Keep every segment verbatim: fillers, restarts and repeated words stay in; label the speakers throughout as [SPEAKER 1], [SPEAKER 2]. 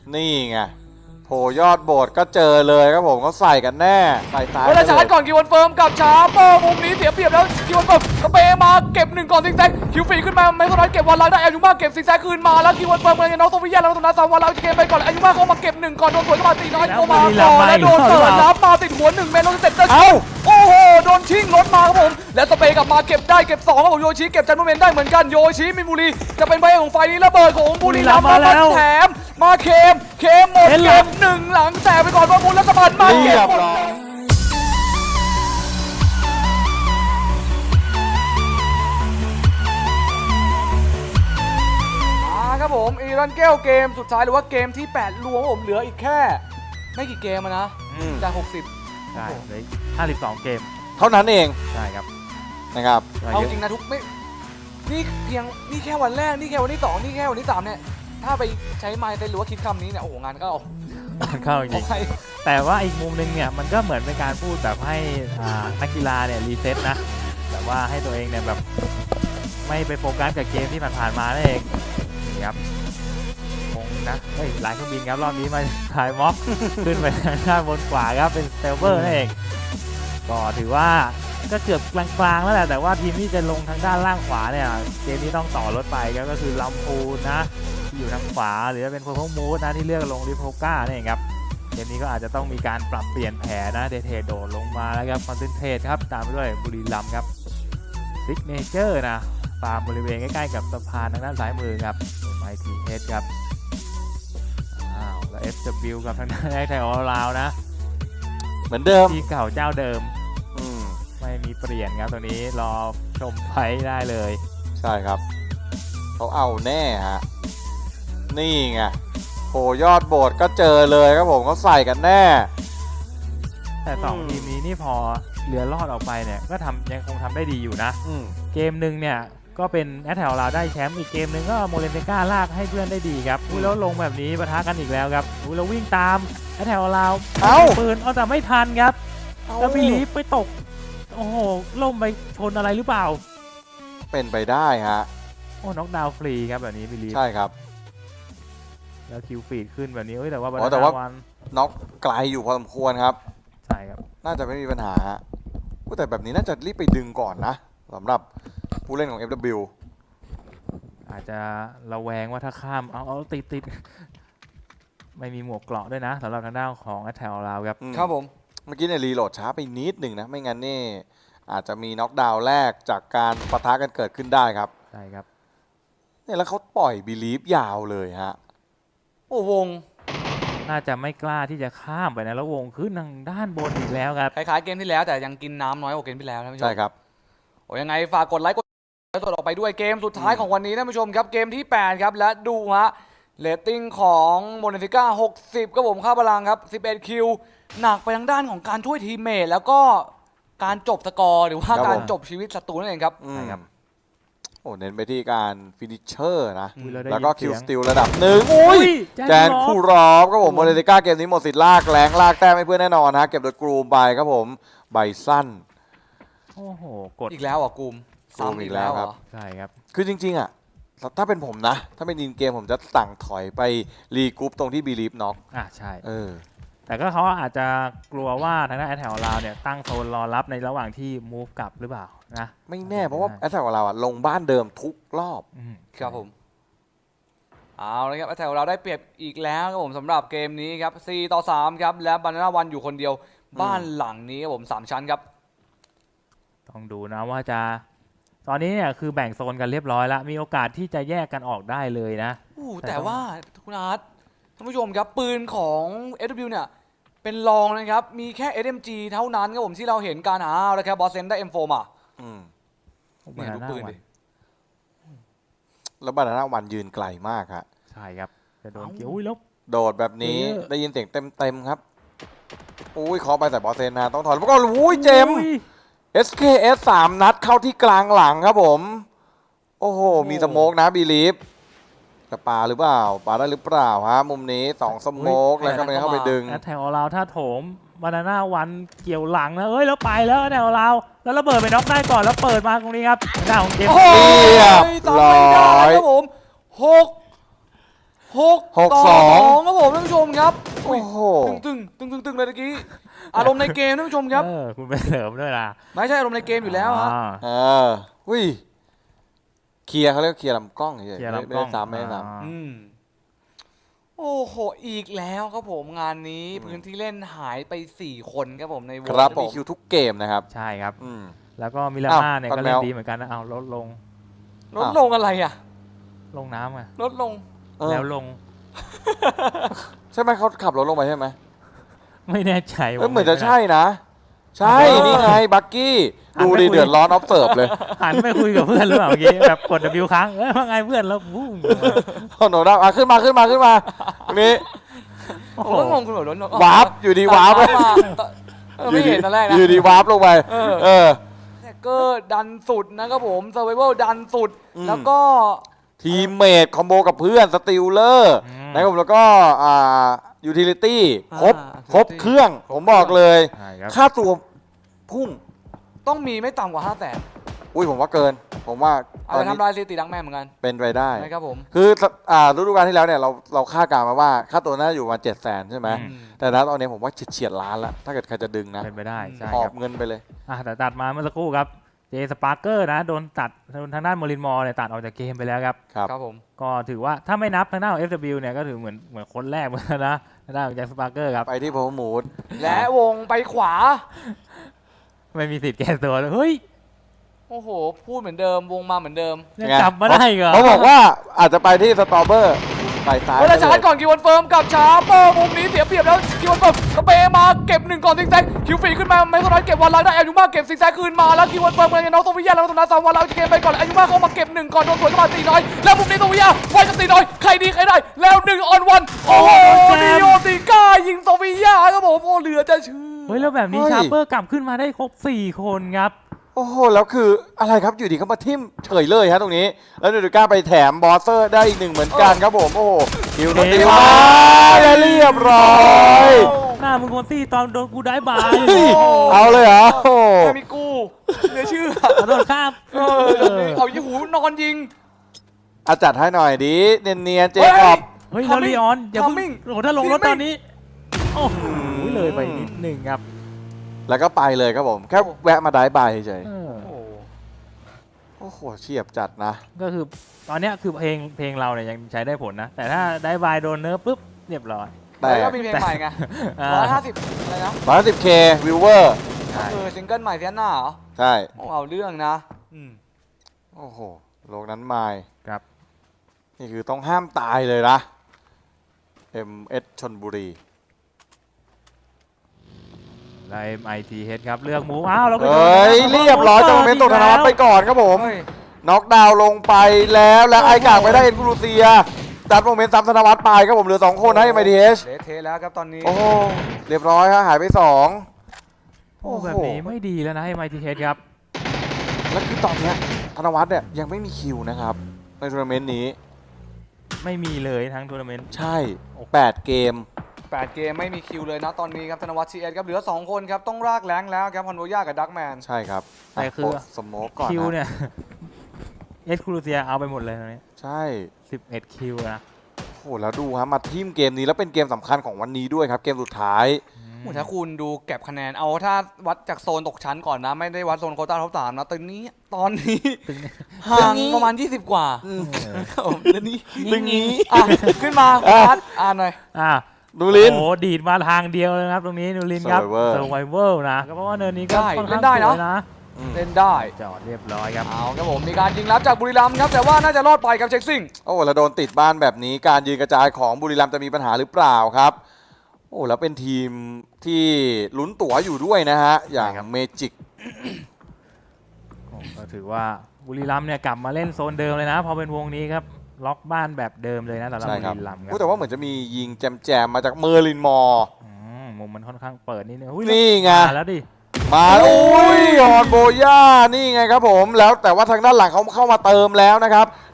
[SPEAKER 1] นี่ไงโผล่ยอดโบสถ์ก็เจอเลยครับผมเขาใส่กันแน่ใส่ตาย
[SPEAKER 2] เวลาชาร์จก่อนคิววันเฟิร์มกับชาโป้มุมนี้เสียเปรียบแล้วคิววันเฟิร์มสเปย์มาเก็บหนึ่งก่อนซิงแซกคิวฟรีขึ้นมาไม่สนใจเก็บวันไลน์ได้อายุมากเก็บซิงแซกคืนมาแล้วคิววันเฟิร์มเลยน้องโซฟิยาแล้วตรงนั้นสามวันแล้วเกมไปก่อนอายุมากเขามาเก็บหนึ่งก่อนโดนสวนเข้ามาตีน้อยโอมาก่อนแล้วโดนเปิดรับมาติดหัวหนึ่งเมตรลงเสร็จแล้วโอ้โหโดนชิงรถมาครับผมและสเปย์กลับมาเก็บได้เก็บสองครับผมโยชิเก็บจันโมเมนต์ได้เหมือนกันโยชิมินบุรีจะเป็นใบของไฟนี้ระเบิดของบุรีรัมย์มาแถมมาเคมเคมหมดเก็บหนึ่งหลังแสบไปก่อนว่าบุญรัฐบาลมาเก็บหมดครับผมอีรันเกลเกมสุดท้ายหรือว่าเกมที่แปดรวมผมเหลืออีกแค่ไม่กี่เกมนะจากหกสิบ
[SPEAKER 3] ใช่เหลือห้าสิบสองเกม
[SPEAKER 1] เท่านั้นเอง
[SPEAKER 3] ใช่ครับ
[SPEAKER 1] นะครับ
[SPEAKER 2] เอาจริงนะทุกไม่นี่เพียงนี่แค่วันแรกนี่แค่วันที่สองนี่แค่วันที่สามเนี่ยถ้าไปใช้ไมค์หรือว่าคิดคำนี้เนี่ยโอ้โหงานก็เอา
[SPEAKER 3] งานเข้าจริงแต่ว่าอีกมุมนึงเนี่ยมันก็เหมือนเป็นการพูดแบบให้นักกีฬาเนี่ยรีเซ็ตนะแต่ว่าให้ตัวเองเนี่ยแบบไม่ไปโฟกัสกับเกมที่ผ่านๆมานั่นเองนี่ครับคงนะเฮ้ยหลายเครื่องบินครับรอบนี้มาถ่ายม็อกขึ้นไปทางด้านบนขวาครับเป็นสเตลเวอร์นั่นเองก็ถือว่าก็เกือบกลางๆแล้วแหละแต่ว่าทีมที่จะลงทางด้านล่างขวาเนี่ยเกมนี้ต้องต่อรถไปครับก็คือลำพูนนะที่อยู่ทางขวาหรือจะเป็นเพอร์เพลมูดนะที่เลือกลงริโพก้าเนี่ยครับเกมนี้ก็อาจจะต้องมีการปรับเปลี่ยนแผนนะเดเทโดดลงมาแล้วครับคอนเซนเทรตครับตามไปด้วยบุรีรัมย์ครับซิกเนเจอร์นะตามบริเวณใกล้ๆกับสะพานทางด้านซ้ายมือครับไมทีเฮดครับอ้าวแล้ว เอฟ ดับเบิลยู กับทางด้านไทยออลราวนะ
[SPEAKER 1] เหมือนเดิม
[SPEAKER 3] ที่เก่าเจ้าเดิมไม่มีเปลี่ยนครับตัวนี้รอชมไฟได้เลย
[SPEAKER 1] ใช่ครับเขาเอาแน่ฮะนี่ไงโผล่ยอดโบสถ์ก็เจอเลยครับผมเขาใส่กันแน่
[SPEAKER 3] แต่สองทีมนี้นี่พอเหลือรอดออกไปเนี่ยก็ทำยังคงทำได้ดีอยู่นะเกมหนึ่งเนี่ยก็เป็นแอตแทลเราได้แชมป์อีกเกมหนึ่งก็โมเลนเตก้าลากให้เพื่อนได้ดีครับอุ้ยแล้วลงแบบนี้ปะทะกันอีกแล้วครับอุ้ยเราวิ่งตามแอตแทลเราเอาปืนเอาแต่ไม่ทันครับแล้วบิลีฟไปตกโอ้โหล่มไปชนอะไรหรือเปล่า
[SPEAKER 1] เป็นไปได้ฮะ
[SPEAKER 3] โอ้น็อกดาวน์ฟรีครับแบบนี้บิลีฟ
[SPEAKER 1] ใช่ครับ
[SPEAKER 3] แล้วคิวฟีดขึ้นแบบนี้เอ้ยแต่ว่า
[SPEAKER 1] แต่ว่าน็อกไกลอยู่พอสมควรครับ
[SPEAKER 3] ใช่ครับ
[SPEAKER 1] น่าจะไม่มีปัญหาแต่แบบนี้น่าจะรีบไปดึงก่อนนะสำหรับผู้เล่นของ เอฟ ดับเบิลยู
[SPEAKER 3] อาจจะระแวงว่าถ้าข้ามเอาเอาติดติดไม่มีหมวกเกราะด้วยนะสำหรับทางด้านของแอตแทลเราครับ
[SPEAKER 1] ครับผมเมื่อกี้เนี่ยรีโหลดช้าไปนิดหนึ่งนะไม่งั้นนี่อาจจะมีน็อกดาวน์แรกจากการปะทะกันเกิดขึ้นได้ครับ
[SPEAKER 3] ใช่ครับ
[SPEAKER 1] เนี่ยแล้วเขาปล่อยบิลีฟยาวเลยฮะ
[SPEAKER 2] โอ้วง
[SPEAKER 3] น่าจะไม่กล้าที่จะข้ามไปนะแล้ววงขึ้นทางด้านบนอีกแล้วครับ
[SPEAKER 2] คล้ายๆเกมที่แล้วแต่ยังกินน้ำน้อยกว่าเกมที่แล้วนะผู้ชม
[SPEAKER 1] ใช่ครับ
[SPEAKER 2] โอ้ยังไงฝากกดไลค์กดกดออกไปด้วยเกมสุดท้ายของวันนี้ท่านผู้ชมครับเกมที่แปดครับและดูฮะเรตติ้งของโมเนฟิก้าหกสิบครับผมค่าพลังครับสิบเอ็ดคิวหนักไปทางด้านของการช่วยทีมเมทแล้วก็การจบสกอร์หรือว่าการจบชีวิตศัตรูนั่นเองครับ
[SPEAKER 1] ใช่ครับโอ้เน้นไปที่การฟินิชเชอร์นะแล้วก็คิวสติลระดับหนึ่งอุ้ยแจนคูรอฟครับผมโมเนฟิก้าเกมนี้หมดสิทธิ์ลากแรงลากแต้มให้เพื่อนแน่นอนฮะเก็บโดยกรูมไปครับผมใบสั้น
[SPEAKER 3] โอ้โหกด
[SPEAKER 2] อีกแล้วอ่ะกรูม
[SPEAKER 1] ซ้ำอีกแล้วครับ
[SPEAKER 3] ใช่ครับ
[SPEAKER 1] คือจริงๆอ่ะถ้าเป็นผมนะถ้าเป็นดินเกมผมจะสั่งถอยไปรีกรุ๊ปตรงที่บีลีฟน็อก
[SPEAKER 3] อ่ะใช่
[SPEAKER 1] เออ
[SPEAKER 3] แต่ก็เขาอาจจะกลัวว่าทางด้านแอตแทลเราเนี่ยตั้งโซนรอรับในระหว่างที่มูฟกลับหรือเปล่านะ
[SPEAKER 1] ไม่แน่เพราะว่าแอตแทลเราอ่ะลงบ้านเดิมทุกรอบ
[SPEAKER 2] ครับผมเอาเลยครับแอตแทลเราได้เปรียบอีกแล้วครับผมสำหรับเกมนี้ครับสี่ต่อสามครับและบานาน่าวันอยู่คนเดียวบ้านหลังนี้ครับผมสามชั้นครับ
[SPEAKER 3] ต้องดูนะว่าจะตอนนี้เนี่ยคือแบ่งโซนกันเรียบร้อยแล้วมีโอกาสที่จะแยกกันออกได้เลยนะ
[SPEAKER 2] อู้แต่ว่าคุณอาร์ตท่านผู้ชมครับปืนของ เอฟ ดับเบิลยู เนี่ยเป็นรองนะครับมีแค่ เอส เอ็ม จี เท่านั้นครับผมที่เราเห็นการหาแล้วแค่บอสเซนได้ เอ็ม โฟร์ มา
[SPEAKER 1] อืม
[SPEAKER 2] เนี่ยดูปืนดิ
[SPEAKER 1] แล้วบานาน่าวันยืนไกลมากครับ
[SPEAKER 3] ใช่ครับจะโดนเกี่ยวอุ้ยลบ
[SPEAKER 1] โดดแบบนี้ได้ยินเสียงเต็มๆครับอุ้ยขอไปแต่บอสเซนนะต้องถอนแล้วก็อุ้ยเจมเอส เค เอส สามนัดเข้าที่กลางหลังครับผมโอ้โหมีสโมกนะบีลีฟจะปาหรือเปล่าปาได้หรือเปล่าฮะมุมนี้สองสโมกแล้วก็ไม่เข้าไปดึง
[SPEAKER 3] แอตแทลเราถ้าโถมบานาน่าวันเกี่ยวหลังนะเอ้ยแล้วไปแล้วแอตแทลเราแล้วระเบิดไปน็อกได้ก่อนแล้วเปิดมาตรงนี้ครับหน้าของเกม
[SPEAKER 1] เรียบร้อย
[SPEAKER 2] ครับผมหกหก
[SPEAKER 1] หกสอง
[SPEAKER 2] ครับผมท่านอุ้ย
[SPEAKER 1] โห
[SPEAKER 2] ตึงตึงตึงตึงตึงเลยตะกี้อารมณ์ในเกมท่านผู้ชมครับ
[SPEAKER 3] เออคุณไปเสริมด้วยนะ
[SPEAKER 2] ไม่ใช่อารมณ์ในเกมอยู่แล้วฮะ
[SPEAKER 3] อ่า
[SPEAKER 1] เอออุ้ยเคลียร์เขาเรียกเคลียร์ลำกล้องเฉยๆ
[SPEAKER 3] เคลียร์
[SPEAKER 1] ไม่
[SPEAKER 3] ลำกล้
[SPEAKER 1] ได้
[SPEAKER 3] อง
[SPEAKER 1] ซ้ำไม่ได้ซ้
[SPEAKER 3] อ่า
[SPEAKER 2] อืมโอ้โหอีกแล้วครับผมงานนี้
[SPEAKER 1] อืม
[SPEAKER 2] พื้นที่เล่นหายไปสี่คนครับผมในว
[SPEAKER 1] ำ
[SPEAKER 2] ง
[SPEAKER 1] ครับ
[SPEAKER 2] ผ
[SPEAKER 1] มี
[SPEAKER 2] ม
[SPEAKER 1] คิวทุกเกมนะครับ
[SPEAKER 3] ใช่ครับ
[SPEAKER 1] อืม
[SPEAKER 3] แล้วก็มิลา
[SPEAKER 1] อ้าว
[SPEAKER 3] ม่าเนี่ย
[SPEAKER 1] ปัด
[SPEAKER 3] ก็เล่น
[SPEAKER 1] แมว
[SPEAKER 3] ดีเหมือนกันนะเอาลดลง
[SPEAKER 2] ลดลงอะไรอ่ะ
[SPEAKER 3] ลงน้ำไง
[SPEAKER 2] ลดลง
[SPEAKER 1] เออ
[SPEAKER 3] แล้วลง
[SPEAKER 1] ใช่ไหมเขาขับรถลงไปใช่ไหม
[SPEAKER 3] ไม่แน่ใจ
[SPEAKER 1] เอ้ย
[SPEAKER 3] ว่า
[SPEAKER 1] เหมือนจะใช่นะ ใช่
[SPEAKER 3] เออ
[SPEAKER 1] นี่ไงบักกี้
[SPEAKER 3] หัน
[SPEAKER 1] ดู
[SPEAKER 3] ไป
[SPEAKER 1] ดิ
[SPEAKER 3] คุย
[SPEAKER 1] เดือดร้อนออฟเซิร์ฟเลย
[SPEAKER 3] หันไปคุยกับเพื่อนหรือเปล่าเมื่อกี้แบบกด W ค้างเอ้ยว่าไงเพื่อนแล้ววู้
[SPEAKER 1] โนด้าอ่ะขึ้นมาขึ้นมาขึ้นมาตรงนี้
[SPEAKER 3] โอ้
[SPEAKER 2] ผ
[SPEAKER 3] โห
[SPEAKER 2] มก็งงคุณแบบลดลง
[SPEAKER 1] วาร์ปอยู่ดีวาร์ป
[SPEAKER 2] ตัดมาเออไม่เห็นตอนแรกนะ
[SPEAKER 1] อยู่ดีวาร์ปลงไป
[SPEAKER 2] เออ
[SPEAKER 1] เออ
[SPEAKER 2] แท็กเกอร์ดันสุดนะครับผมเซอร์ไวเวลดันสุด
[SPEAKER 1] อืม
[SPEAKER 2] แล้วก็
[SPEAKER 1] ทีมเมทคอมโบกับเพื่อนสติลเลอร์นะครับผมแล้วก็อ่ายูทิลิตี้ครบ
[SPEAKER 2] อ่า
[SPEAKER 1] ครบเครื่อง ผมบอกเลย
[SPEAKER 3] ใช่ครับ
[SPEAKER 1] ค่าตัวพุ่ง
[SPEAKER 2] ต้องมีไม่ต่ำกว่าห้าแสน
[SPEAKER 1] อุ้ยผมว่าเกิน ผมว่า
[SPEAKER 2] เอา
[SPEAKER 1] ตอ
[SPEAKER 2] ไป
[SPEAKER 1] นนี้
[SPEAKER 2] ทำลายสถิติดังแม่เหมือนกัน
[SPEAKER 1] เป็นไปได้
[SPEAKER 2] นะครับผม
[SPEAKER 1] คืออ่าฤดูกาลที่แล้วเนี่ยเราเราคาดการณ์มาว่าค่าตัวน่าจะอยู่ประมาณเจ็ดแสนใช่ไหม
[SPEAKER 3] อืม
[SPEAKER 1] แต่ณตอนนี้ผมว่าเฉียดๆล้านแล้ว ถ้าเกิดใครจะดึงนะ
[SPEAKER 3] เป็นไปได้ใช่
[SPEAKER 1] หอ
[SPEAKER 3] ครับ บ
[SPEAKER 1] เงินไปเลย
[SPEAKER 3] อ่ะแต่ตัดมาเมื่อสักครู่ครับเจสปาร์เกอร์นะโดนตัดโดนทางด้านโมลินมอร์เนี่ยตัดออกจากเกมไปแล้วครับ
[SPEAKER 1] ครับ
[SPEAKER 2] ครับผม
[SPEAKER 3] ก็ถือว่าถ้าไม่นับทางด้านของ เอฟ ดับเบิลยู เนี่ยก็ถือเหมือนเหมือนคนแรกเหมือนกันนะทางด้านของแจ็คสปาร์เกอร์ครับ
[SPEAKER 1] ไปที่โพมูด
[SPEAKER 2] และวงไปขวา
[SPEAKER 3] ไม่มีสิทธิ์แก้ตัวเลยเฮ้ย
[SPEAKER 2] โอ้โห พูดเหมือนเดิม วงมาเหมือนเดิม
[SPEAKER 3] ยังกลับมาได้อีกเหรอ
[SPEAKER 1] เขาบอกว่าอาจจะไปที่สตรอเบอร์ไปซ้าย
[SPEAKER 2] เวลาชาร์จก่อนคิววันเฟิร์มกับชาร์เปอร์มุมนี้เสียเปรียบแล้วคิววันเฟิร์มสเปย์มาเก็บหนึ่งก่อนซิกแซกคิวฟรีขึ้นมาไม่เท่านั้นเก็บวันไลน์ได้อายุมาเก็บซิกแซกคืนมาแล้วคิววันเฟิร์มเลยน้องโซฟิยาแล้วตรงนั้นสามวันแล้วจะเกมไปก่อนอายุมาเข้ามาเก็บหนึ่งก่อนโดนสวนเข้ามาตีน้อยแล้วมุมนี้โซฟิยาไฟกับตีน้อยใครดีใครได้แล้วหนึ่งออนวันโอ้โหดิโอติก้ายิงโซฟิยาครับผมโอ้เหลือจะเชื่อ
[SPEAKER 3] เฮ้ยแล้วแบบนี้ชาร์เปอร์กลับขึ้นมาได้ครบสี่คนครับ
[SPEAKER 1] โอ้โห แล้วคืออะไรครับอยู่ดีเขามาทิ่มเฉยเลยฮะตรงนี้ แล้วดูดูก้าไปแถมบอสเซอร์ได้อีกหนึ่งเหมือนกันครับผม โอ้โหคิวโดนตีมาได้เรียบร้อย
[SPEAKER 3] หน้ามึงคนซี่ตอนโดนกูได้บาย
[SPEAKER 1] เอาเลยเหรอโอ้โห
[SPEAKER 2] ไม่มีกูเหลือเชื่อ
[SPEAKER 3] โดนข้าม
[SPEAKER 2] เออเอายี่หูนอนยิง
[SPEAKER 1] อาจัดให้หน่อยดิเนียนๆเจคอบ
[SPEAKER 3] เฮ้ยแล้วลีออนอย่าเพิ่ง
[SPEAKER 2] Timing
[SPEAKER 3] โอ้โหถ้าลงรถตอนนี้โอ้โห
[SPEAKER 1] อืม
[SPEAKER 3] เลยไปนิดหนึ่งครับ
[SPEAKER 1] แล้วก็ไปเลยครับผม แค่แวะมาได้บายเฉย
[SPEAKER 3] เออ
[SPEAKER 2] โอ้โห
[SPEAKER 1] ๆโอ้โหเฉียบจัดนะ
[SPEAKER 3] ก็คือตอนเนี้ยคือเพลงเพลงเราเนี่ยยังใช้ได้ผลนะ แต่ถ้าได้บายโดนเนิร์ฟปุ๊บเรียบร้อย
[SPEAKER 1] แต่
[SPEAKER 2] แล้วก็มีเพลงใหม่ไง
[SPEAKER 3] อ่า
[SPEAKER 2] ร้อยห้าสิบอะไรนะ
[SPEAKER 1] ร้อยสิบเควิวเวอร์
[SPEAKER 3] ใช่
[SPEAKER 2] เออซิงเกิลใหม่เซียนหน้าเหรอ
[SPEAKER 1] ใช่
[SPEAKER 2] โอ้เอาเรื่องนะอืม
[SPEAKER 1] โอ้โหโลกนั้นมาย
[SPEAKER 3] ครับ
[SPEAKER 1] นี่คือต้องห้ามตายเลยนะ เอ็ม เอส ชลบุรี
[SPEAKER 3] ไลฟ์ไอทีเฮดครับเลือกหมูอ้าวแล้วก็
[SPEAKER 1] เฮ้ย เรียบร้อยจงเมนต์ตกธนวัฒน์ไปก่อนครับผม
[SPEAKER 2] เฮ้ย
[SPEAKER 1] น็อกดาวน์ลงไปแล้วแล้วไอกากไปได้เอ็นกรูเซียดัดโมเมนต์ซ้ำธนวัฒน์ไปครับผมเหลือสองคนนะเอ็มไอทีเอช
[SPEAKER 2] เละเทะแล้วครับตอนนี้
[SPEAKER 1] โอ้โหเรียบร้อยครับหายไปสอง
[SPEAKER 3] โอ้แบบนี้ไม่ดีแล้วนะไอทีเฮดครับ
[SPEAKER 1] แล้วคือตอนเนี้ยธนวัฒน์เนี่ยยังไม่มีคิวนะครับ ในทัวร์นาเมนต์นี้
[SPEAKER 3] ไม่มีเลยทั้งทัวร์นาเมนต์
[SPEAKER 1] ใช่แปดเกม
[SPEAKER 2] แปดเกมไม่มีคิวเลยนะตอนนี้ครับธนวัฒน์ซีเอสครับเหลือสองคนครับต้องรากแรงแล้วครับฮอนโวย่ากับดักแมน
[SPEAKER 1] ใช่ครับ
[SPEAKER 3] แต่คือ
[SPEAKER 1] ะสโมกก่อน
[SPEAKER 3] คิว
[SPEAKER 1] นะ
[SPEAKER 3] เนี่ยเอสครูเซียเอาไปหมดเลยตอนนี้
[SPEAKER 1] ใช่
[SPEAKER 3] สิบเอ็ดคิวนะ
[SPEAKER 1] โอ้โหแล้วดูฮะมาทีมเกมนี้แล้วเป็นเกมสำคัญของวันนี้ด้วยครับ เกมสุดท้าย
[SPEAKER 2] โอ้ถ้าคุณดูเก็บคะแนนเอาถ้าวัดจากโซนตกชั้นก่อนนะ ไม่ได้วัดโซนโควต้าท็อปสามนะตอนนี้ตอนนี้
[SPEAKER 3] ตึง
[SPEAKER 2] ห่างประมาณ ยี่สิบ กว่า
[SPEAKER 1] อืม
[SPEAKER 2] ครับผมแล้วนี่
[SPEAKER 1] ตึงนี้
[SPEAKER 2] อ่ะขึ้นมา
[SPEAKER 1] อ่ะ
[SPEAKER 2] อาร์ตอ่านหน่อย
[SPEAKER 3] อ่ะ
[SPEAKER 1] ดูลิน
[SPEAKER 3] โอ้ดีดมาทางเดียวเลยนะครับ ตรงนี้นูรินครับ
[SPEAKER 1] Survivor
[SPEAKER 3] เซอร์ไวเวอร์นะก็เพราะว่าเนินนี้ก็
[SPEAKER 2] ได้
[SPEAKER 3] ค่อน
[SPEAKER 2] เล่
[SPEAKER 3] ข้าง
[SPEAKER 2] นได้
[SPEAKER 3] ส
[SPEAKER 2] นะ
[SPEAKER 3] วยนะ
[SPEAKER 1] อืม
[SPEAKER 2] เล่นได้
[SPEAKER 3] จอดเรียบร้อยครับ
[SPEAKER 2] เอาครับผมมีการยิงรับจากบุรีรัมย์ครับแต่ว่าน่าจะรอดไปกับเช็คซิ่ง
[SPEAKER 1] โอ้แล้วโดนติดบ้านแบบนี้การยืนกระจายของบุรีรัมย์จะมีปัญหาหรือเปล่าครับ โอ้แล้วเป็นทีมที่ลุ้นตั๋วอยู่ด้วยนะฮะ อย่าง
[SPEAKER 3] ใช่ครับ
[SPEAKER 1] เมจิก
[SPEAKER 3] โอ้ก็ถือว่าบุรีรัมย์เนี่ยกลับมาเล่นโซนเดิมเลยนะ พอเป็นวงนี้ครับ ล็อกบ้านแบบเดิมเลยนะสำหรับ
[SPEAKER 1] ใช่
[SPEAKER 3] บุ
[SPEAKER 1] ครับ
[SPEAKER 3] รีรัมย์ครั
[SPEAKER 1] แต่ว่าเหมือนจะมียิงแจมๆมาจากเมอร์ลินมอร์
[SPEAKER 3] อืมมุมมันค่อนข้างเปิดนิดนึงอุ้ย
[SPEAKER 1] นี่ไง
[SPEAKER 3] มาแล้วดิ
[SPEAKER 1] มาแล้วอุ้ยฮอนโบย่านี่ไงครับผมแล้วแต่ว่าทางด้านหลังเขาเข้ามาเติมแล้วนะครับ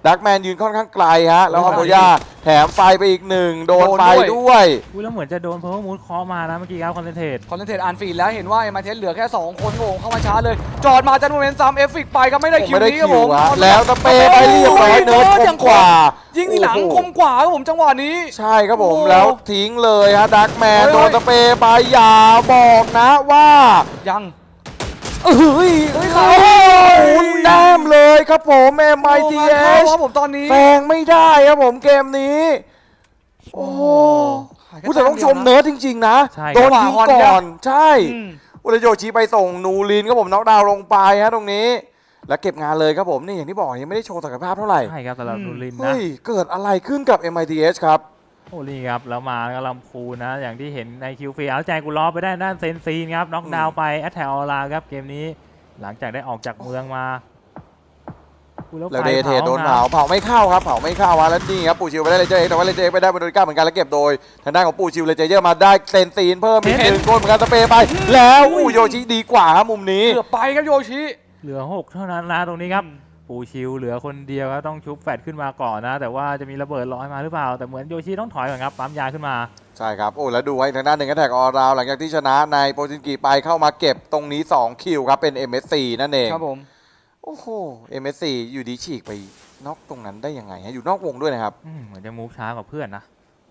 [SPEAKER 1] ดักแมนยืนค่อนข้างไกลฮะแล้วฮอมโบยาแถมไฟไปอีกหนึ่งโดนไฟด้วย
[SPEAKER 3] อุ้ยแล้วเหมือนจะโดนเพอร์มูดเคาะมานะเมื่อกี้ครับคอนเซนเทรต
[SPEAKER 2] คอนเทนเทรตอ่านฟีดแล้วเห็นว่าเอ็มไอเทสเหลือแค่สองคนโง่เข้ามาช้าเลยจอดมาจันโมเมนต์ซ้ำเอฟฟิกไปครับไม่ได้คิว
[SPEAKER 1] ไม่ได้
[SPEAKER 2] นี้ครับ
[SPEAKER 1] คิ
[SPEAKER 2] ผ
[SPEAKER 1] ว
[SPEAKER 2] ม
[SPEAKER 1] ฮะแล้วสเปรย์ไปเรียบร้อยเนิร์ดคมกว่า
[SPEAKER 2] ยิงที่หลังคมกว่าครับผมจังหวะนี้
[SPEAKER 1] ใช่ครับผม
[SPEAKER 2] โอ้
[SPEAKER 1] แล้วทิ้งเลยฮะดักแมน
[SPEAKER 2] เฮ้ย
[SPEAKER 1] โดนสเปรย์ไปอย่าบอกนะว่า
[SPEAKER 2] ยัง
[SPEAKER 1] เฮ้ย
[SPEAKER 2] เฮ้ย
[SPEAKER 1] โอ้โหแนมเลยครับผม เอ็ม ไอ ที เอ
[SPEAKER 2] โอ้งาน
[SPEAKER 1] ช
[SPEAKER 2] เข้าครับผมตอนนี้
[SPEAKER 1] แซงไม่ได้ครับผมเกมนี้ โอ้โหผู้แต่ต้องชมเนิร์ดจริงๆนะ
[SPEAKER 3] ใช่
[SPEAKER 1] โดนยิงก่อน ใช่
[SPEAKER 2] อืม
[SPEAKER 1] อุรโยชิไปส่งนูรินครับผมน็อกดาวน์ลงไปฮะตรงนี้ แล้วเก็บงานเลยครับผมนี่อย่างที่บอกยังไม่ได้โชว์ศักยภาพเท่าไหร่
[SPEAKER 3] ใช่ครับสำหรับ
[SPEAKER 2] อืม
[SPEAKER 3] นูรินนะ
[SPEAKER 1] เฮ้ยเกิดอะไรขึ้นกับ เอ็ม ไอ ที เอช ครับ
[SPEAKER 3] โอ้นี่ครับแล้วมาก็ลำพูนนะ อย่างที่เห็นในคิวฟีเอาใจกูล้อไปได้ด้านเซนซีนครับน็อกดาวน์ไปแอตแทกออลาครับเกมนี้หลังจากได้ออกจากเมืองมาอุ๊ย
[SPEAKER 1] แล้ว
[SPEAKER 3] ไฟ
[SPEAKER 1] เดเทโดน
[SPEAKER 3] นะ
[SPEAKER 1] เผาเผาไม่เข้าครับเผาไม่เข้าฮะแล้วนี่ครับปูชิวไปได้เลเจอร์เอ็กแต่ว่าเลเจอร์เอ็กไปได้บนโดนก้าเหมือนกันแล้วเก็บโดยทางด้านของปูชิวเลเจอร์มาได้เซนซีนเพิ่มอีกหนึ่งคนเหมือนกันสเปรย์ไป แล้วอู้โยชิดีกว่าครับมุมนี้
[SPEAKER 2] เกือบไปครับโยชิ
[SPEAKER 3] เหลือหกเท่านั้นนะตรงนี้ครับปูชิวเหลือคนเดียวครับต้องชุบแฟดขึ้นมาก่อนนะ แต่ว่าจะมีระเบิดลอยมาหรือเปล่าแต่เหมือนโยชิต้องถอยก่อนครับปั๊มยาขึ้นมา
[SPEAKER 1] ใช่ครับโอ้แล้วดูไว้ทางด้านหนึ่งก็แท็กออราวหลังจากที่ชนะในโปรจินกิไปเข้ามาเก็บตรงนี้สองคิวครับเป็น เอ็ม เอส ซี นั่นเอง
[SPEAKER 2] ครับผม
[SPEAKER 1] โอ้โห เอ็ม เอส ซี อยู่ดีฉีกไปนอกตรงนั้นได้ยังไงฮะอยู่นอกวงด้วยนะครับ
[SPEAKER 3] อืมเหมือนจะมูฟช้ากว่าเพื่อนนะ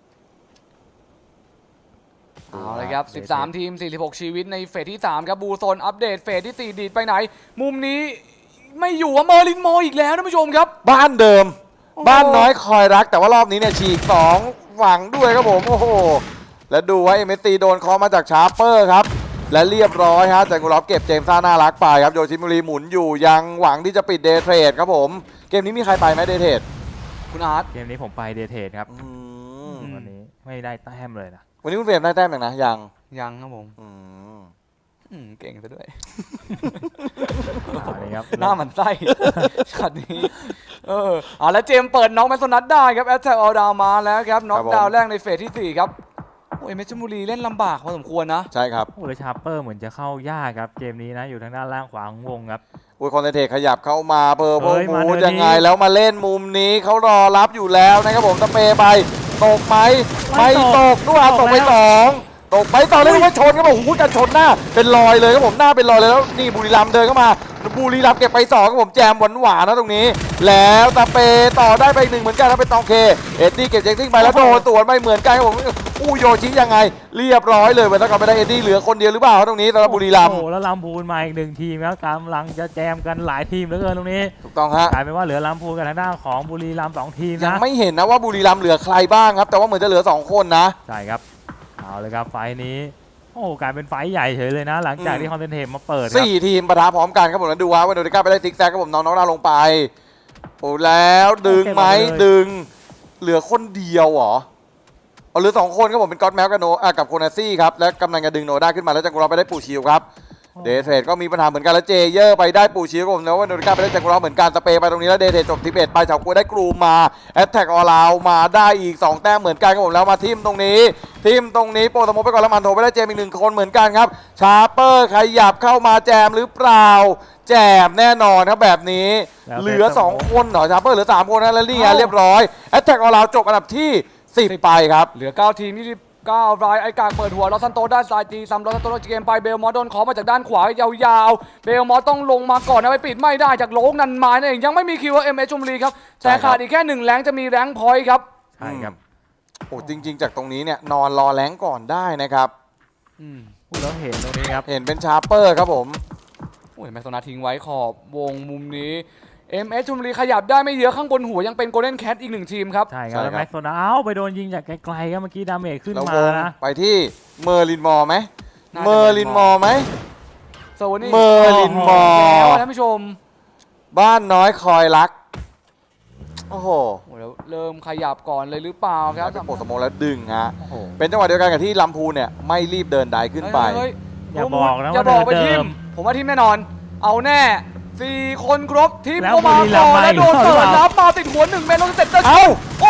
[SPEAKER 2] เอาเลยครับสิบสามทีมสี่สิบหกชีวิตในเฟสที่สามครับบูโซนอัปเดตเฟสที่สี่ดีดไปไหน มุมนี้ไม่อยู่ว่าเมอร์ลินโมอีกแล้วท่านผู้ชมครับ
[SPEAKER 1] บ้านเดิม
[SPEAKER 2] โอ้โห
[SPEAKER 1] บ้านน้อยคอยรักแต่ว่ารอบนี้เนี่ยฉีกสองฝั่งด้วยครับผมโอ้โหแล้วดูไว้ เอ็ม เอส ซี โดนเคอมาจากชาร์เปอร์ครับและเรียบร้อยฮะจากกุลอบเก็บเจมส์ซ่าน่ารักไปครับโยชิมุรีหมุนอยู่ยังหวังที่จะปิดเดย์เทรดครับผมเกมนี้มีใครไปไหมเดย์เทรด
[SPEAKER 2] คุณอาร์ต
[SPEAKER 3] เกมนี้ผมไปเดทเทสครับ
[SPEAKER 1] อืม
[SPEAKER 2] อืม
[SPEAKER 3] วันนี้ไม่ได้แต้มเลยนะ
[SPEAKER 1] วันนี้คุณเฟรมได้แต้มยังนะยัง
[SPEAKER 2] ยังครับผม
[SPEAKER 1] อืม
[SPEAKER 2] อืมเก่งซะด้วย
[SPEAKER 3] เอาเลยครับ
[SPEAKER 2] หน้าหมันไส้ ช็อตนี้เออเอาแล้วเจมส์เปิดน็อกแมสโซนัทได้ครับแอตแทกออลดาวมาแล้วครับน็อกดาวน์แรกในเฟสที่สี่ครับโอ้ยเมชลบุรีเล่นลำบากพอสมควรนะ
[SPEAKER 1] ใช่ครับ
[SPEAKER 3] โอ้แล้วชาร์เปอร์เหมือนจะเข้ายากครับเกมนี้นะอยู่ทางด้านล่างขวาของวงครับ
[SPEAKER 1] อุ้ยคอนเทนเทขยับเข้ามาเพอร์
[SPEAKER 3] เฮ้
[SPEAKER 1] โพ
[SPEAKER 3] ยมา
[SPEAKER 1] มู
[SPEAKER 3] เดี๋ยวนี้
[SPEAKER 1] ยังไงแล้วมาเล่นมุมนี้เขารอรับอยู่แล้วนะครับผมสเปรย์ไปตกไหมไม่ตกด้วยตกไปสองตกไปต่อเลยว่าชนครับผมโอ้โหการชนหน้าเป็นรอยเลยครับผมหน้าเป็นรอยเลยแล้วนี่บุรีรัมย์เดินเข้ามาบุรีรัมย์เก็บไปสองครับผมแจมหวานหวานๆนะตรงนี้ แล้วสเปรย์ต่อได้ไปอีกหนึ่งเหมือนกันแล้วเป็นตองเคเอ็ดดี้เก็บเจ็คซิ่งไปแล้วโดนสวนไปเหมือนกันครับผมอู้โยชิยังไงเรียบร้อยเลยเวลาก่อนไปได้เอ็ดดี้เหลือคนเดียวหรือเปล่าตรงนี้สำหรับบุรีรัมย์
[SPEAKER 3] โอ้โหแล้วลำพูนมาอีกหนึ่งทีมครับกำลังจะแจมกันหลายทีมเหลือเกินตรงนี้
[SPEAKER 1] ถูกต้องฮะ
[SPEAKER 3] กลายเป็นว่าเหลือลำพูนกับทางด้านของบุรีรัมย์สองทีม
[SPEAKER 1] ยัง
[SPEAKER 3] นะ
[SPEAKER 1] ไม่เห็นนะว่าบุรีรัมย์เหลือใครบ้างครับแต่ว่าเหมือนจะเหลือสองคนนะ
[SPEAKER 3] ใช่ครับเอาเลยครับไฟล์นี้โอ้กลายเป็นไฟล์ใหญ่เฉยเลยนะ หลังจาก
[SPEAKER 1] อืม
[SPEAKER 3] ที่คอนเทนเทมมาเปิดครับ
[SPEAKER 1] สี่ทีมปะทะพร้อมกันครับผมแล้วดูว่าวันโดนิก้าไปได้ซิกแซกครับผมน้องน้องดาวลงไปโอ้แล้วดึงไหมดึง เหลือคนเดียวเหรอเอาเหลือสองคนครับผมเป็นก็อตแมวกับโนอ่ะกับโคนาซี่ครับและกำลังจะดึงโนด้าขึ้นมาแล้วจังกุรอไปได้ปูชิวครับเดทเทรดก็มีปัญหาเหมือนกันแล้วเจเยอร์ไปได้ปูชิวครับผมแล้ววันโดนิก้าไปได้จังกุรอเหมือนกันสเปย์ไปตรงนี้แล้วเดทเทรดจบที่เอ็ดไปเฉากัวได้กรูมมาแอตแทกออลาวมาได้อีกสองแต้มเหมือนกันครับผมแล้วมาทิมตรงนี้ทิมตรงนี้โปรตโมไปก่อนแล้วมันโถไปได้เจมอีกหนึ่งคนเหมือนกันครับชาร์เปอร์ขยับเข้ามาแจมหรือเปล่าแจมแน่นอนครับแบบนี้เหลือสองคนเหรอชาร์เปอร์เหลือสามคนนะแล้วนี่ไงเรียบร้อยแอตแทกออลาวจบอันดับที่สิบไปครับ
[SPEAKER 2] เหลือเก้าทีมยี่สิบเก้ารายไอ้กากเปิดหัวลอสซันโตด้านซ้ายตีซ้ำลอสซันโตเกมไปเบลมอสโดนขอมาจากด้านขวายาวๆเบลมอสต้องลงมาก่อนนะไปปิดไม่ได้จากโลงนันมานั่นเองยังไม่มีคิวเอ็มเอชลบุรีครับแต่ขาดอีกแค่หนึ่งแรงจะมีแรงพอยต์ครับ
[SPEAKER 3] ใช่ครับ
[SPEAKER 1] โอ้จริง ๆ จากตรงนี้เนี่ยนอนรอแรงก่อนได้นะครับ
[SPEAKER 2] อืม
[SPEAKER 3] พูดแล้วเห็นตรงนี้ครับ
[SPEAKER 1] เห็นเป็นชาร์เปอร์ครับผม
[SPEAKER 2] โอ้ยแมสโซนาทิ้งไว้ขอบวงมุมนี้เอ็มเอชลบุรีขยับได้ไม่เยอะข้างบนหัวยังเป็นโกลเด้นแคทอีกหนึ่งทีมครับ
[SPEAKER 3] ใช่ครับแล้วแม็กโซนาเอ้าไปโดนยิงจากไกลๆครับเมื่อกี้ดาเมจขึ้น
[SPEAKER 1] แล้ว
[SPEAKER 3] มาว
[SPEAKER 1] ง
[SPEAKER 3] นะ
[SPEAKER 1] ไปที่เมอร์ลินมอร์ไหม
[SPEAKER 2] น่าจะ
[SPEAKER 1] เมอร์ลินมอร์ไหม
[SPEAKER 2] โซนี่
[SPEAKER 1] เมอร์ลินมอร์
[SPEAKER 2] แล้วท่านผู้ชม
[SPEAKER 1] บ้านน้อยคอยรักโอ้โห
[SPEAKER 2] โอ้ยแล้วเริ่มขยับก่อนเลยหรือเปล่าครับ
[SPEAKER 1] เป็นโปรสโมแล้วดึงฮะ
[SPEAKER 3] โอ้โห
[SPEAKER 1] เป็นจังหวะเดียวกันกับที่ลำพูนเนี่ยไม่รีบเดินไดขึ้นไป
[SPEAKER 2] เฮ้ย
[SPEAKER 3] อย่าบอกนะ
[SPEAKER 2] อย่า
[SPEAKER 3] ว่า
[SPEAKER 2] บอกไป
[SPEAKER 3] เดิ
[SPEAKER 2] ทีม
[SPEAKER 3] ม
[SPEAKER 2] ผมว่าทีมแน่นอน เอาแน่สี่คนครบทีม
[SPEAKER 3] แล้ว
[SPEAKER 2] เข้ามา
[SPEAKER 3] บุรีรั
[SPEAKER 2] ก่
[SPEAKER 3] มย์
[SPEAKER 2] อน
[SPEAKER 3] มา
[SPEAKER 2] แล้ว
[SPEAKER 3] อีก
[SPEAKER 2] โดน
[SPEAKER 3] หรือ
[SPEAKER 2] เปิด
[SPEAKER 3] เปล่า
[SPEAKER 2] รับมาติดหัวหนึ่งเมตรลงเสร็จจะ
[SPEAKER 1] เอ้า
[SPEAKER 2] โอ้โห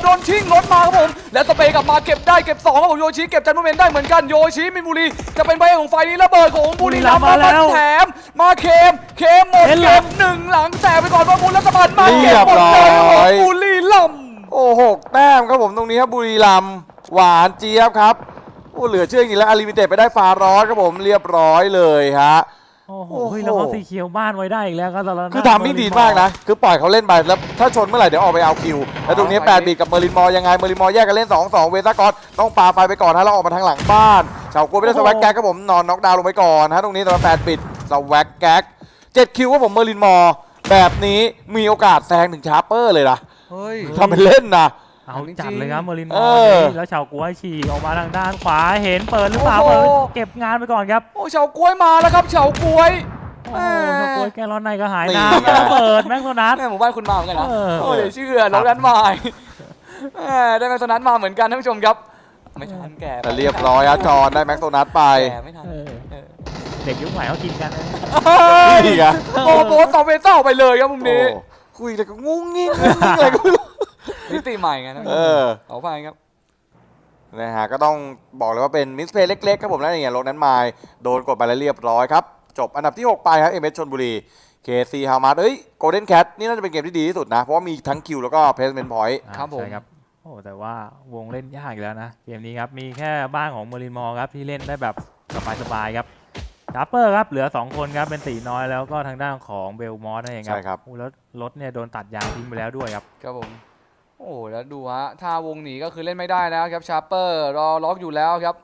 [SPEAKER 2] โดนชิงรถมาครับผมและสเปย์กลับมาเก็บได้เก็บสองครับผมโยชิเก็บจันทร์เมนได้เหมือนกันโยชิมินบุรีจะเป็นใบของไฟนี้ระเบิดของบุรีรัมย์มาแถมมาเคมเคมหมดเก็บหนึ่งหลังแตกไปก่อนว่าบุญรัฐบาลมาเก็บหมดเลยของบุรีรัมย์
[SPEAKER 1] โอ้หกแต้มครับผมตรงนี้ครับบุรีรัมย์หวานเจี๊ยบครับโอ้เหลือเชื่อจริงๆแล้วอาริมิเต็ดไปได้ฟาร้อนครับผมเรียบร้อยเลยฮะ
[SPEAKER 3] โอ้โห
[SPEAKER 1] โอ้โห
[SPEAKER 3] แล้วเขาสีเขียวบ้านไว้ได้อีกแล้วครับตอนนั้น
[SPEAKER 1] คือทำไม่ดีมากนะคือปล่อยเขาเล่นไปแล้วถ้าชนเมื่อไหร่เดี๋ยวออกไปเอาคิวแล้วตรงนี้แปดบีกับเมอรินมอร์ยังไงเมอรินมอร์แยกกันเล่นสองสองเวซ่ากอตต้องปาไฟไปก่อนฮะแล้วออกมาทางหลังบ้านชาวกลัวไม่ได้สวักแก๊กครับผมนอนน็อกดาวน์ลงไปก่อนฮะตรงนี้สำหรับแปดบิดสวักแก๊กเจ็ดคิวครับผมเมอรินมอร์แบบนี้มีโอกาสแซงถึงชาร์เปอร์เลยนะ
[SPEAKER 2] เฮ้ย
[SPEAKER 1] ทำเป็นเล่นนะ
[SPEAKER 3] เอาจัดเลยครับเมอรินม
[SPEAKER 1] เอ
[SPEAKER 3] อ
[SPEAKER 1] อ
[SPEAKER 3] ร์นี่แล้วชาวกล้วยฉีกออกมาทางด้านขวาเห็นเปิดหรือเปล่า
[SPEAKER 2] โอ้โห
[SPEAKER 3] เปิดเก็บงานไปก่อนครับ
[SPEAKER 2] โอ้เฉากล้วยมาแล้วครับเฉากล้วย
[SPEAKER 3] โอ้โหชาวกล้วยแกร้อนในก็หาย
[SPEAKER 1] นี่
[SPEAKER 3] น้ำ
[SPEAKER 1] ไง
[SPEAKER 3] แล้วเปิดแม็กโซนัส
[SPEAKER 2] แม่หมู่บ้านคุณมาเหมือนกันนะ
[SPEAKER 3] เออ
[SPEAKER 2] โอ้เดี๋ยวเชื่อน้องนั้นมาแม่ได้แม็กโซนัสมาเหมือนกันท่านผู้ชมครับไม่ทันแก่
[SPEAKER 1] แต่เรียบร้อยอะจอนได้แม็กโซนัสไป
[SPEAKER 2] แก่ไม่ทัน
[SPEAKER 3] เออ
[SPEAKER 2] เออ
[SPEAKER 3] เด็กยุคใหม่เขากินกันนะ
[SPEAKER 1] นี่ไง
[SPEAKER 2] โอ้โหต่อเวเต้าไปเลยครับมุมนี้
[SPEAKER 1] โอ้คุยแต่ก็งุ้งงิ้งงุ้งงิ้งอะไรก็ไม่รู้
[SPEAKER 2] นิติใหม่ไงท่านผู้ช
[SPEAKER 1] เอ
[SPEAKER 2] ม
[SPEAKER 1] อ
[SPEAKER 2] เอาไปครับ
[SPEAKER 1] นะฮะก็ต้องบอกเลยว่าเป็นมิสเพลย์เล็กๆครับผมแล้วเนี่ยลงนั้นไมล์โดนกดไปแล้วเรียบร้อยครับ จบอันดับที่หกไปครับเอ็มเอสชลบุรี เค ซี ฮามาร์เอ้ยโกลเด้นแคทนี่น่าจะเป็นเกมที่ดีที่สุดนะ เพราะว่ามีทั้งคิวแล้วก็เพลสเมนต์พอยต์
[SPEAKER 2] ครับผม
[SPEAKER 3] ใช่ครับโอ้แต่ว่าวงเล่นยากอีกแล้วนะเกมนี้ครับมีแค่บ้านของเมอรินมอร์ครับที่เล่นได้แบบสบายๆครับชาร์เปอร์ครับเหลือสองคนครับเป็นตีน้อยแล้วก็ทางด้านของเบลมอสนั่นเองครับ
[SPEAKER 1] ใช่ครับ
[SPEAKER 3] โอ้แล้วรถเนี่ยโดนตัดยางทิ้งไปแล้วด้วยครับ
[SPEAKER 2] ครับผม โอ้แล้วดูฮะถ้าวงหนีก็คือเล่นไม่ได้แล้วครับชาร์เปอร์รอล็อกอยู่แล้วครับ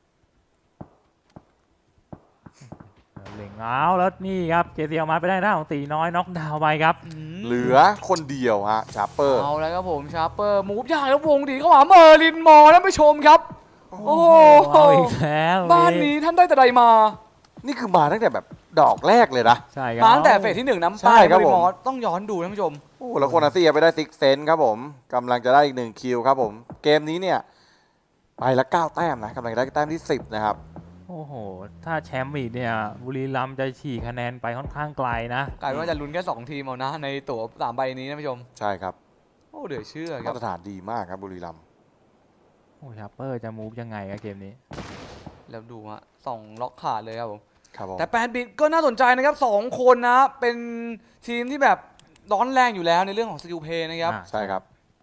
[SPEAKER 3] เหล่งเอาแล้วนี่ครับเจซีเอามาไปได้หน้าของตีน้อยน็อกดาวน์ไปครับ
[SPEAKER 1] เหลือคนเดียวฮะชาร์เปอร์
[SPEAKER 2] เอาแล้วครับผมชาร์เปอร์มูฟยากแล้ววงดีเข้าหาเมอร์ลินมอร์ท่านผู้ชมครับ โอ้โห
[SPEAKER 3] เอาอีกแล้ว
[SPEAKER 2] บ้านนี้ท่านได้แต่ใดมา
[SPEAKER 1] นี่คือมาตั้งแต่แบบดอกแรกเลยนะ
[SPEAKER 3] ใช่ครับ
[SPEAKER 2] มาตั้งแต่เฟสที่หนึ่งน้ำ
[SPEAKER 1] ใช่
[SPEAKER 2] ป้าย
[SPEAKER 1] ครับ
[SPEAKER 2] เมอร์ลิน
[SPEAKER 1] ผม
[SPEAKER 2] มอร์ต้องย้อนดูท่านผู้ชม
[SPEAKER 1] โอ้แล้วโคนาซี่ไปได้ซิกเซนครับผมกำลังจะได้อีกหนึ่งคิวครับผมเกมนี้เนี่ยไปละเก้าแต้มนะกำลังจะได้แต้มที่สิบนะครับ
[SPEAKER 3] โอ้โหถ้าแชมป์อีกเนี่ยบุรีรัมย์จะฉีกคะแนนไปค่อนข้างไกลนะ
[SPEAKER 2] กลายเป็นว่าจะลุ้นแค่สองทีมเอานะในตั๋วสามใบนี้ท่านผู้ชม
[SPEAKER 1] ใช่ครับ
[SPEAKER 2] โอ้เดือดเชื่อครั
[SPEAKER 1] มา
[SPEAKER 2] บ
[SPEAKER 1] ตรฐานดีมากครับบุรีรัมย์
[SPEAKER 3] โอ้ชาร์เปอร์จะมูฟยังไงครับเกมนี้
[SPEAKER 2] แล้วดูฮะสองล็อกขาดเลยครับผม
[SPEAKER 1] ครับผม
[SPEAKER 2] แต่แปดบิตก็น่าสนใจนะครับสองคนนะ เป็นทีมที่แบบร้อนแรงอยู่แล้วในเรื่องของสกิลเพย์นะครับ
[SPEAKER 3] อ่า
[SPEAKER 1] ใช่ครับ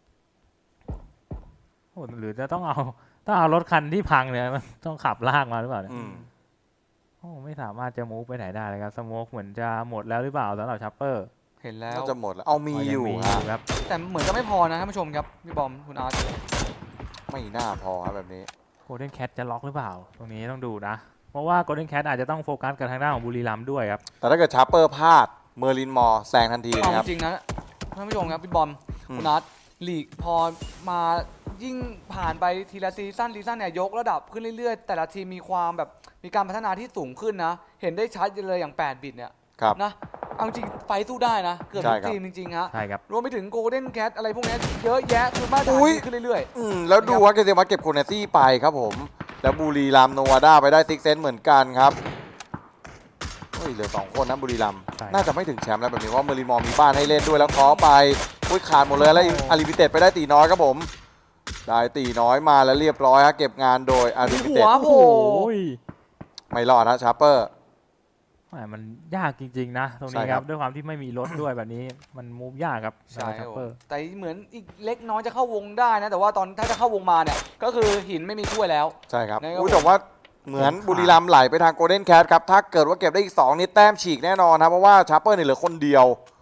[SPEAKER 3] โอ้หรือจะต้องเอาต้องเอารถคันที่พังเนี่ยมันต้องขับลากมาหรือเปล่าเนี่ย
[SPEAKER 1] อืม
[SPEAKER 3] โอ้ไม่สามารถจะมูฟไปไหนได้เลยครับสโมกเหมือนจะหมดแล้วหรือเปล่าสำหรับชาร์เปอร์
[SPEAKER 2] เห็นแล้ว
[SPEAKER 1] น่าจะหมดแล้วเอามีอยู่
[SPEAKER 3] มีอ
[SPEAKER 1] ฮะ
[SPEAKER 3] ยู่ครับ
[SPEAKER 2] แต่เหมือนจะไม่พอนะท่านผู้ชมครับพี่บอมคุณอาร์ต
[SPEAKER 1] ไม่น่าพอครับแบบนี้
[SPEAKER 3] โกลเด้นแคทจะล็อกหรือเปล่า ตรงนี้ต้องดูนะ เพราะว่าโกลเด้นแคทอาจจะต้องโฟกัสกับทางด้านของบุรีรัมย์ด้วยครับ
[SPEAKER 1] แต่ถ้าเกิดชาร์เปอร์พลาดเมอร์ลินมอร์แซงทันที
[SPEAKER 2] เอา
[SPEAKER 1] นะครับ
[SPEAKER 2] จริงนะท่านผู้ชมครับพี่บอม
[SPEAKER 1] อืม
[SPEAKER 2] คุณอาร์ตลีกพอมายิ่งผ่านไปทีละซีซั่นซีซั่นเนี่ยยกระดับขึ้นเรื่อยๆ แต่ละทีมมีความแบบมีการพัฒนาที่สูงขึ้นนะ เห็นได้ชัดเลยอย่างแปดบิตเนี่ย
[SPEAKER 1] ครับ
[SPEAKER 2] นะเอาจริงไฟสู้ได้นะ เกือบ
[SPEAKER 1] ใช่
[SPEAKER 2] ทุก
[SPEAKER 1] ครับ
[SPEAKER 2] ทีมจริงๆฮะ
[SPEAKER 3] ใช่ครับ
[SPEAKER 2] รวมไปถึงโกลเด้นแคทอะไรพวกเนี้ยเยอะแยะคือมาตรฐาน
[SPEAKER 1] อุ๊ย
[SPEAKER 2] ดีขึ้นเรื่อย
[SPEAKER 1] อืมแล้วดูว่าเกเซมาเก็บโคเนซี่ไปครับผม แล้วบุรีรัมย์โนวาด้าไปได้ซิกเซนเหมือนกันครับเฮ้ยเหลือสองคนนะบุรีรัมย์
[SPEAKER 3] ใช่ครับ
[SPEAKER 1] น่าจะไม่ถึงแชมป์แล้วแบบนี้เพราะเมอร์ลินมอร์มีบ้านให้เล่นด้วยแล้วขอไปอุ้ยขาดหมดเลยแล้วอาริบิเต็ดไปได้ตีน้อยครับผม ได้ตีน้อยมาแล้วเรียบร้อยฮะเก็บงานโดยอาริบิ
[SPEAKER 2] หั
[SPEAKER 1] เต็ด
[SPEAKER 2] ว
[SPEAKER 3] โอ้โห
[SPEAKER 1] ไม่รอดนะชาร์เปอร์
[SPEAKER 3] แหมมันยากจริงๆนะ ตรงนี้
[SPEAKER 1] ใช่
[SPEAKER 3] ค
[SPEAKER 1] ครั
[SPEAKER 3] รับ บ ด้วยความที่ไม่มีรถด้วยแบบนี้มันมูฟยากครับ
[SPEAKER 2] ๆ ใช่ค
[SPEAKER 3] ชา
[SPEAKER 2] รับ
[SPEAKER 3] ร์
[SPEAKER 2] ผ
[SPEAKER 3] เปอ
[SPEAKER 2] ม
[SPEAKER 3] ร์
[SPEAKER 2] แต่เหมือนอีกเล็กน้อยจะเข้าวงได้นะ แต่ว่าตอนถ้าจะเข้าวงมาเนี่ยก็คือหินไม่มีถ้วยแล้ว
[SPEAKER 1] ใช่ครับ
[SPEAKER 2] นะครับ
[SPEAKER 1] อุ้ยแต่ว่าเหมือนบุรีรัมย์ไหลไปทางโกลเด้นแคทครับถ้าเกิดว่าเก็บได้อีกสองนี่แต้มฉีกแน่นอนนะเพราะว่าชาร์เปอร์เนี่ยเหลือคนเดียว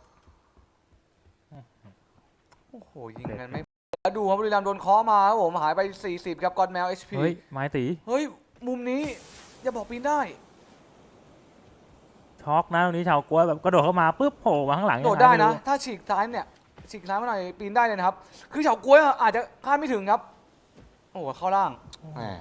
[SPEAKER 2] โอ้โหยิงกันไม่แล้วดูครับบุรีรัมย์โดนเคาะมาครับผมหายไปสี่สิบครับกอดแมว เอช พี
[SPEAKER 3] เฮ้ย ไม้ตี
[SPEAKER 2] เฮ้ยมุมนี้อย่าบอกปีนได้
[SPEAKER 3] ช็อกนะตรงนี้ชาวกล้วยแบบกระโดดเข้ามาปุ๊บโผล่มาข้างหลัง
[SPEAKER 2] โดดได้
[SPEAKER 3] ยังง
[SPEAKER 2] นะ
[SPEAKER 3] ม่รู้
[SPEAKER 2] ถ้าฉีกซ้ายเนี่ยฉีกซ้ายมาหน่อยปีนได้เลยนะครับ คือเฉาก๊วยอาจจะคาดไม่ถึงครับ โอ้โหเข้าล่าง
[SPEAKER 1] แหม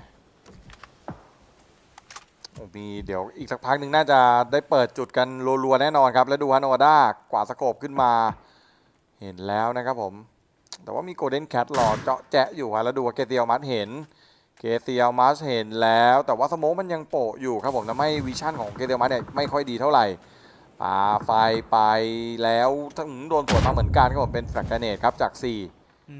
[SPEAKER 1] โอ้มีเดี๋ยวอีกสักพักหนึ่งน่าจะได้เปิดจุดกันรัวๆแน่นอนครับ แล้วดูฮานอวาด้ากวาดสโคปขึ้นมา เห็นแล้วนะครับผม แต่ว่ามีโกลเด้นแคทรอเจาะแจะอยู่ครับแล้วดูว่าเกเตียลมัสเห็น เกเตียลมัสเห็นแล้ว แต่ว่าสโมกมันยังโปะอยู่ครับผมทำให้วิชั่นของเกเตียลมัสเนี่ยไม่ค่อยดีเท่าไหร่ปาไฟไปแล้วถ้าหืมโดนสวนมาเหมือนกันครับผมเป็นแฟลกเกเนตครับจากสี่
[SPEAKER 2] อืม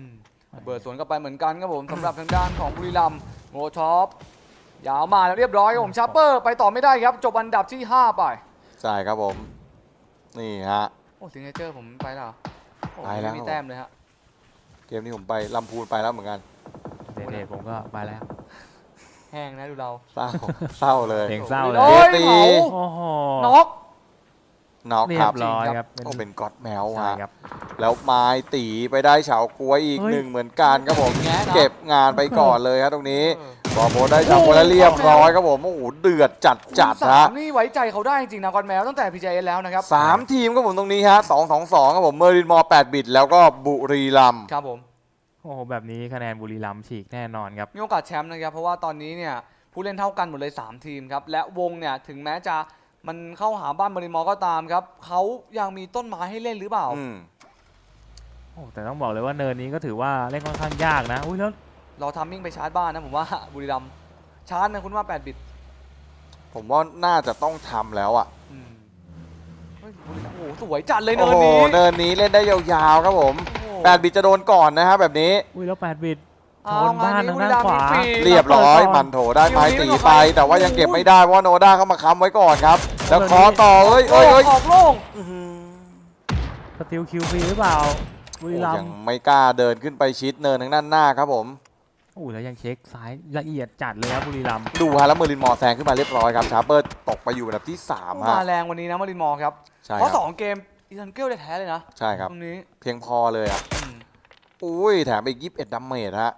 [SPEAKER 2] เบิร์ดสวนกลับไปเหมือนกันครับผมสำหรับทางด้านของบุรีรัมย์โมชอปยาวมาแล้วเรียบร้อยครับผมชาร์เปอร์ไปต่อไม่ได้ครับจบอันดับที่ห้าไป
[SPEAKER 1] ใช่ครับผม นี่ฮะ
[SPEAKER 2] โอ้ซิงเกิลผมไปแล้วเหรอโอ้
[SPEAKER 1] ไปแล้ว
[SPEAKER 2] ไม่มีแต้มเลยฮะ
[SPEAKER 1] เกมนี้ผมไปลำพูนไปแล้วเหมือนกัน
[SPEAKER 3] เดทผมก็ไปแล้ว
[SPEAKER 2] แห้งนะดูเรา
[SPEAKER 1] เศร้า เศร้าเลย
[SPEAKER 3] เพลงเศร้าเล
[SPEAKER 2] โอ้
[SPEAKER 3] ย
[SPEAKER 2] ย
[SPEAKER 1] ตี
[SPEAKER 2] เผา
[SPEAKER 3] โอ้โห
[SPEAKER 2] น็อก
[SPEAKER 1] น็อก
[SPEAKER 3] เรี
[SPEAKER 1] ค
[SPEAKER 3] ย
[SPEAKER 1] รับบ
[SPEAKER 3] ร้อย
[SPEAKER 2] จริง
[SPEAKER 3] ค
[SPEAKER 2] ครั
[SPEAKER 3] รับ บ
[SPEAKER 1] โอ้เป็นก๊อตแมว
[SPEAKER 3] ใช่
[SPEAKER 1] ฮะ
[SPEAKER 3] ครับ
[SPEAKER 1] แล้วไม้ตีไปได้เฉาก้วยอีก
[SPEAKER 3] เฮ้ย
[SPEAKER 1] หนึ่งเหมือนกันครับผม
[SPEAKER 2] แงะนะ
[SPEAKER 1] เก็บงานไปก่อนเลยครับตรงนี้
[SPEAKER 2] เออ
[SPEAKER 1] บอลโบได้เฉาก้วยแล้วเรียบร้อยครับผม โอ้โห เดือดจัดจัด
[SPEAKER 2] สา
[SPEAKER 1] ฮะ
[SPEAKER 2] มนี่ไว้ใจเขาได้จริงๆนะกอนแมวตั้งแต่ พี เจ เอส แล้วนะครับ
[SPEAKER 1] สามทีมครับผมตรงนี้ฮะสองสองสองครับผม เมอรินมอแปดบิตแล้วก็บุรีรัมย์
[SPEAKER 2] ครับผม
[SPEAKER 3] โอ้โหแบบนี้คะแนนบุรีรัมย์ฉีกแน่นอนครับ
[SPEAKER 2] มีโอกาสแชมป์นะครับเพราะว่าตอนนี้เนี่ยผู้เล่นเท่ากันหมดเลยสามทีมครับและวงเนี่ยถึงแม้จะมันเข้าหาบ้านบริมอร์ก็ตามครับเขายังมีต้นไม้ให้เล่นหรือเปล่า
[SPEAKER 1] อืม
[SPEAKER 3] โอ้แต่ต้องบอกเลยว่าเนินนี้ก็ถือว่าเล่นค่อนข้างยากนะอุ้ยแล้ว
[SPEAKER 2] เราทัมมิ่งไปชาร์จบ้านนะผมว่า บุรีรัมย์ชาร์จนะคุณว่าแปดบิต
[SPEAKER 1] ผมว่าน่าจะต้องทำแล้วอ่ะ
[SPEAKER 2] อืมเฮ้ยบุรีรัมย์โอ้โหสวยจัดเลย
[SPEAKER 1] โอ้
[SPEAKER 2] เนิน
[SPEAKER 1] โห
[SPEAKER 2] นี้
[SPEAKER 1] เนินนี้เล่นได้ยาวๆครับผม
[SPEAKER 2] โอ้โห
[SPEAKER 1] แปดบิตจะโดนก่อนนะฮะแบบนี้
[SPEAKER 3] อุ้ยแล้วแปดบิตช
[SPEAKER 2] เอา
[SPEAKER 3] นบ้าน
[SPEAKER 2] ง
[SPEAKER 3] ทางด้านขวา
[SPEAKER 2] บุรีรัมย์มีฟรี
[SPEAKER 1] เรียบร้อย
[SPEAKER 3] เปิดก่อน
[SPEAKER 1] มันโถได้ไม้
[SPEAKER 2] คิวนี้
[SPEAKER 1] ตี
[SPEAKER 2] ไม่
[SPEAKER 1] ไป
[SPEAKER 2] ออกไป
[SPEAKER 1] แต่ว่ายังเก็บไม่ได้เพราะว่าโนด้าเข้ามาค้ำไว้ก่อนครับ แล้วขอต่อเอ้ย
[SPEAKER 2] โอ้
[SPEAKER 1] เอ้ยเอ้ย
[SPEAKER 2] ออกโล่ง
[SPEAKER 1] อื้อหือ
[SPEAKER 3] สติลคิวฟรีหรือเปล่าบุรีรัม
[SPEAKER 1] โอ้ยั
[SPEAKER 3] ย์
[SPEAKER 1] งไม่กล้าเดินขึ้นไปชิดเนินทางด้านหน้าครับผม
[SPEAKER 3] โอ้แล้วยังเช็คซ้ายละเอียดจัดเลยครับบุรีรัมย์
[SPEAKER 1] ดูฮะแล้วเมอรินมอร์แซงขึ้นมาเรียบร้อยครับชาร์เปอร์ตกไปอยู่อันดับที่สาม
[SPEAKER 2] มา
[SPEAKER 1] ฮะ
[SPEAKER 2] แรงวันนี้นะมารินมอร์ครับ
[SPEAKER 1] ใช่
[SPEAKER 2] เพราะ
[SPEAKER 1] ค
[SPEAKER 2] ส
[SPEAKER 1] รับ
[SPEAKER 2] องเกมอีทันเกิลได้แท้เลยนะ
[SPEAKER 1] ใช่ครับ
[SPEAKER 2] ตรงนี้
[SPEAKER 1] เพียงพอเลยอ่ะ
[SPEAKER 2] อืม
[SPEAKER 1] อุ้ยแถมอีกยี่สิบเอ็ดดัมเมจฮะ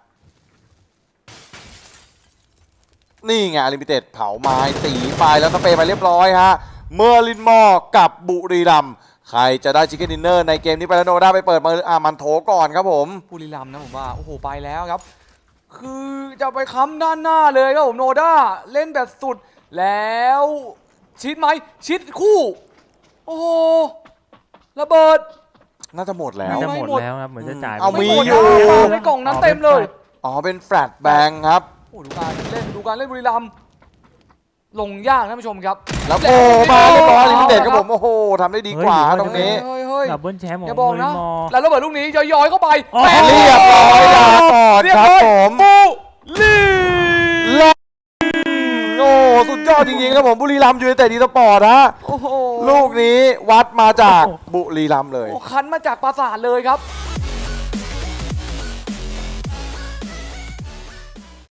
[SPEAKER 1] นี่ไงลิมิเต็ดเผาไม้ตีไปแล้วสเปรย์ไปเรียบร้อยฮะเมอร์ลินมอร์กับบุรีรัมย์ใครจะได้ชิคเก้นดินเนอร์ในเกมนี้ไปแล้วโนด้าไปเปิดมาอามันโถก่อนครับผม
[SPEAKER 2] บุรีรัมย์นะผมว่าโอ้โหไปแล้วครับ คือจะไปค้ำด้านหน้าเลยครับผมโนด้าเล่นแบบสุดแล้วชิดไหมชิดคู่ โอ้โหระเบิด
[SPEAKER 1] น่าจะหมดแล้ว
[SPEAKER 3] น่าจะ
[SPEAKER 2] ไม่
[SPEAKER 3] หมด
[SPEAKER 2] หมด
[SPEAKER 3] แล้วครับเหมือนจะจ่าย
[SPEAKER 1] เอา
[SPEAKER 3] ไป
[SPEAKER 1] มี
[SPEAKER 2] ไหด
[SPEAKER 1] อยู่
[SPEAKER 2] นะในกล่องนั้นเต็มเลย
[SPEAKER 1] อ๋อเป็นแฟลตแบงค์ครับ
[SPEAKER 2] โอ้ดูการเล่นดูการเล่นบุรีรัมย์ลงยากท่านผู้ชมครับ
[SPEAKER 1] แล้วโผล่มาเรียบร้อยลิมิเต็ดครับผมโอ้โหทำได้ดีกว่าตรงนี้
[SPEAKER 2] เฮ้ยเฮ้ย
[SPEAKER 3] ดับเบิลแชมป์ของ
[SPEAKER 2] อย่าบอก
[SPEAKER 3] บุรี
[SPEAKER 2] นะ
[SPEAKER 3] มอร์
[SPEAKER 2] แล้วระเบิดลูกนี้ย้อยๆเข้าไป
[SPEAKER 3] อ๋อ
[SPEAKER 2] แปด
[SPEAKER 1] เรียบร้อยลาก่อน
[SPEAKER 2] เรียบ
[SPEAKER 1] ครับ
[SPEAKER 2] ร้อย
[SPEAKER 1] ผม
[SPEAKER 2] บุรี
[SPEAKER 1] และโอ้สุดยอดจริงๆครับผมบุรีรัมย์ยูไนเต็ดอีสปอร์ตฮะ
[SPEAKER 2] โอ้โห
[SPEAKER 1] ลูกนี้วัดมาจากบุรีรัมย์เลย
[SPEAKER 2] โอ้คันมาจากปราสาทเลยครับ